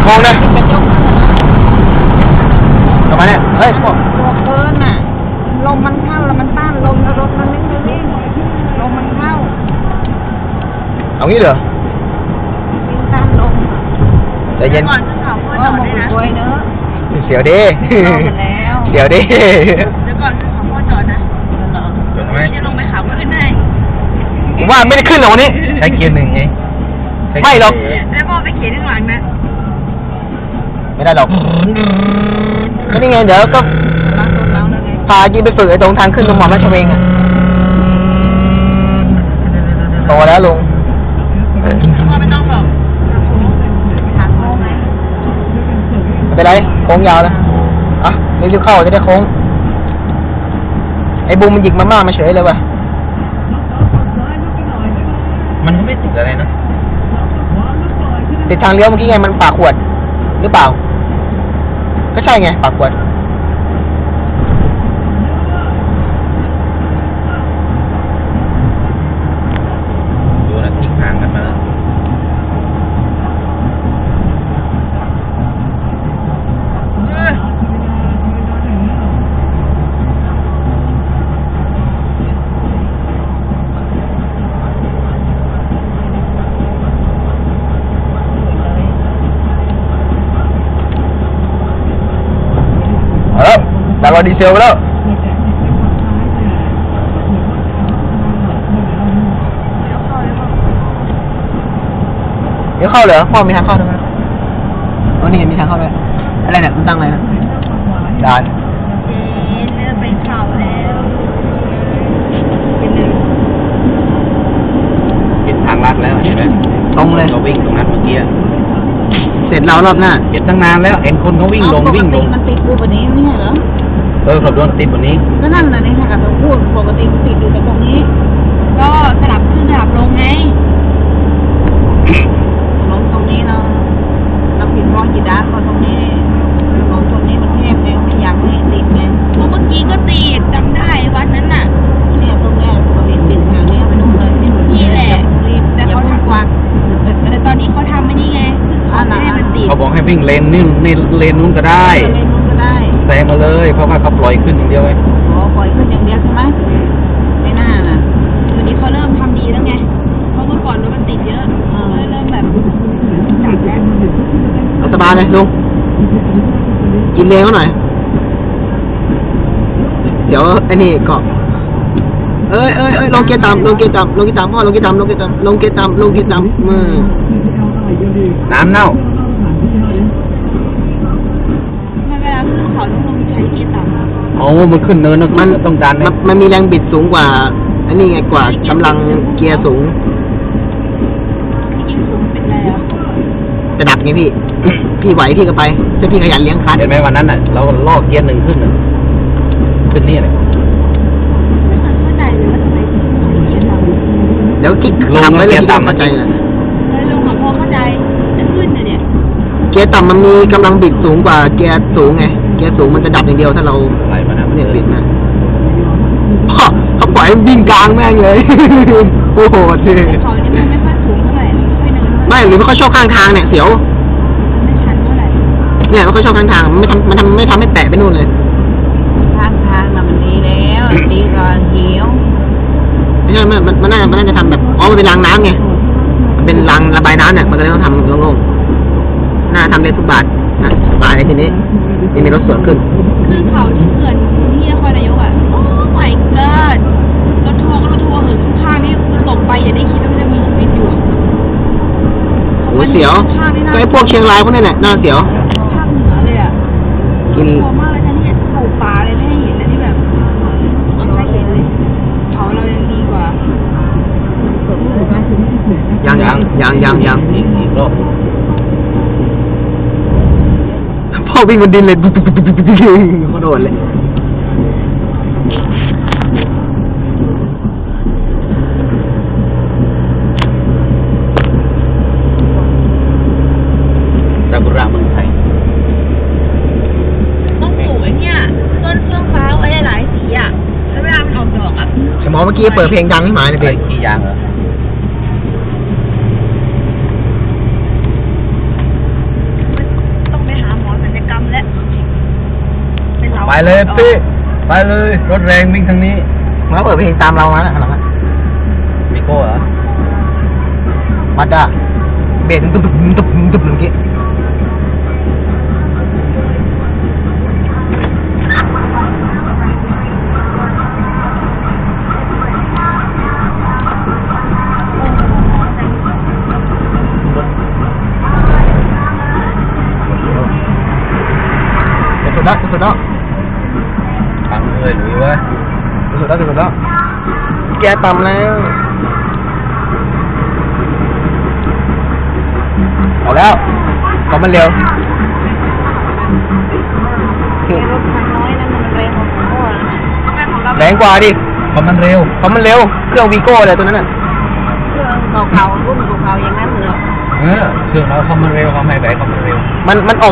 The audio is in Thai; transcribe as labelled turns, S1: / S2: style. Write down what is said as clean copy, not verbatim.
S1: โค้งนะกลับมาเนี่ยเฮ้ยพวก
S2: ตัวเกินอ่ะลมมันเข้าแล้วมันต้านลมแล้วรถมันไม่วิ่งลมมันเข้า
S1: เอางี้เหรอ
S2: วิ่งต้านลม
S1: ใจเย็น
S2: ก่อนจะขับพ่อจอดด้วยนะเนอะ
S1: เสียวดิเสียวดิ
S2: เดี๋ยวก่อนจะขับพ่อจอดนะจะลงไปขับขึ้นได้
S1: ผมว่าไม่ได้ขึ้นหรอกวันนี้ใช้เกียร์หนึ่งไงไม่หรอก
S2: แล้วพ่อไปเขียนข้างหลังนะ
S1: ไม่ได้หรอกก็นี่ไงเดี๋ยวก็พาจีไปฝึกไอ้ตรงทางขึ้นตรงหมอราชเวงอ่ะโตแล้วลุง
S2: พ่อไม่ต้องหรอกทางโค้งไง
S1: ไม่เป็นไรโค้งยาวนะอ่ะรีบเข้าจะได้โค้งไอ้บูมมันหยิกมาม่ามาเฉยเลยว่ะมันก็ไม่ติดอะไรนะติดทางเลี้ยวเมื่อกี้ไงมันปากขวดหรือเปล่าก็ใช่ไงปากขวดดูนะทิ้งห่างกันมาแล้วดีเซลไปแล้วเดี๋ยวเข้าเหรอพ่อมีทางเข้าด้วยอ๋อนี่มีทางเข้าด้วยอะไรเนี่ยมันตั้งอะไรนะด่าน
S2: เริ่มไปเข่าแล้ว
S1: เป็นทางลัดแล้วเห็นไหมตรงเลยเราวิ่งตรงนั้นเมื่อกี้เสร็จแล้วรอบหน้าเก็บตั้งนานแล้วเห็นคนเขาวิ่งลงวิ่งลง
S2: มันติดอยู่แบบนี้ไม่ใช่เหรอ
S1: ขับรถติดแบบนี้
S2: ก็นั่นน่ะนี่ค่ะเราพูดปกติติดอยู่แต่ตรงนี้ก็สลับขึ้นสลับลงไงลงตรงนี้เราผิดมองกี่ด้านพอตรงนี้ลงตรงนี้มันแคบเลยไม่อยากให้ติดไงเมื่อกี้ก็ติดจำได้วันนั้นน่ะเนี่ยตรงนี้ปกติติดทางนี้ไปนู่นเลยนี่แหละแต่เขาทำกว้างแต่ตอนนี้เขาทำไม่นี่ไงให้มันติด
S1: เขาบอกให้วิ่งเลนนี่ในเลนนู้นก็ได้แซงมาเลยเพราะว่าเขาปล่อยขึ้นอย่างเดียวไง
S2: อ๋อปล่อยขึ้นอย่างเดียวใช่ไหมไม่น่าล่ะวันนี้เขาเริ่มทำดีแล้วไงเพราะเมื่อก่อนรถมันติดเยอะเริ่มแบบจับแล้ว
S1: สบายเลยลุงกินเลนเขาหน่อยเดี๋ยวไอ้นี่เกาะลงเกียร์ต่ำพ่อลงเกียร์ต่ำมือน้ำเน่า
S2: เขาต้องลงใช้เกียร์ต่ำ
S1: อ๋อมันขึ้นเนินนะมันต้องการมันมีแรงบิดสูงกว่าอันนี้ไงกว่ากำลังเกียร์สูง
S2: ยิ่งสูงเป็นไรอ่ะ
S1: จะดับไงพี่ พี่ไหวพี่ก็ไปถ้าพี่ขยันเลี้ยงคันเห็นไหมวันนั้นน่ะเราล่อเกียร์หนึ่งขึ้นนี่เลย
S2: ไม่เข้าใจเลยว่าทำไมถึงเกียร์ต่ำ
S1: แล้วกิ๊กทำไว้เลยต่ำมาใจเลย
S2: ลุงขอพอเข้าใจจะขึ้นเนี่ย
S1: เกียร์ต่ำมันมีกำลังบิดสูงกว่าเกียร์สูงไงเกียร์สูงมันจะดับอย่างเดียวถ้าเราไหลมาเนี่ยบิดมาเขาปล่อยวิ่งกลางแม่งเลยโอ้โหเท่
S2: เขาเนี่ยไม่ค่อยสูงเท่าไหร่
S1: ไม่หรือไม่ค่อยชอบข้างทางเนี่ยเสียว
S2: ไม่ชันเท่าไหร่
S1: เนี่ยมันก็ชอบข้างทางไม่ทำให้แปะไปนู่นเลย
S2: ข้างทางน่ะมันดีแล้วดีกว่าเขียว
S1: ไม่ใช่มันน่าจะทำแบบมันเป็นรางน้ำไงเป็นรางระบายน้ำเนี่ยมันก็เลยต้องทำโล่งๆน่าทำได้ทุกบาทนะสบายทีนี้มีรถสวนขึ้น
S2: คือเขาที่เกิดที่นครนายกอ่ะโอ้ my god รถทัวร์ข้างนี่ตกไปอย่าได้คิดว่าจะมีชีวิตอยู่
S1: โอ้เสียวไอ้พวกเชียงรายพวกนี้แหละน่าเสียว
S2: ภาคเหนือเลยอ่ะกลัวมากเลยนะเนี่ยปลูกป่าเลยไม่ให้เห็นนะที่แบบไม่เห็นเลยเขาเรายังดีกว่า
S1: ยังอีกรอบพ่อวิ่งบนดินเลยเขาโดนเลยซากุระเมืองไทย
S2: ต้องปลูกไอ้เนี่ยต้นเฟื่องฟ้าไว้หลายสีอ่ะแล้วเวลามันออกดอกอ่ะ
S1: หมอเมื่อกี้เปิดเพลงดังให้หมาเลยเพลงกี่อย่างเหรอ
S3: เลยพี่ไปเลยรถแรงวิ่งทางนี้
S1: มันก็เปิดเพลงตามเรามาแล้วหลัง
S3: วิโก้เหรอ
S1: มาด้าเบนตุ๊บตุ๊บตุ๊บเมื่อกี้สุดแล้ว
S3: ฟังเลยหลุยเว้ย
S1: สุดแล้วแกต่ำแล้วเอาแล้วก็มันเร็ว
S2: รถคันน้อยนั้นมันแรงกว่าของพ่อนะ
S1: แรงกว่าดิ
S3: เพราะมันเร็ว
S1: เพราะมันเร็วเครื่องวีโก้เลยตัวนั้นน่ะ
S2: เครื่องเก่าๆรุ่นเก่าๆอย่างนั้นเหรอ
S3: เครื่องเราเขามันเร็วเขาไม่ไหวเขามันเร็ว
S1: มันออก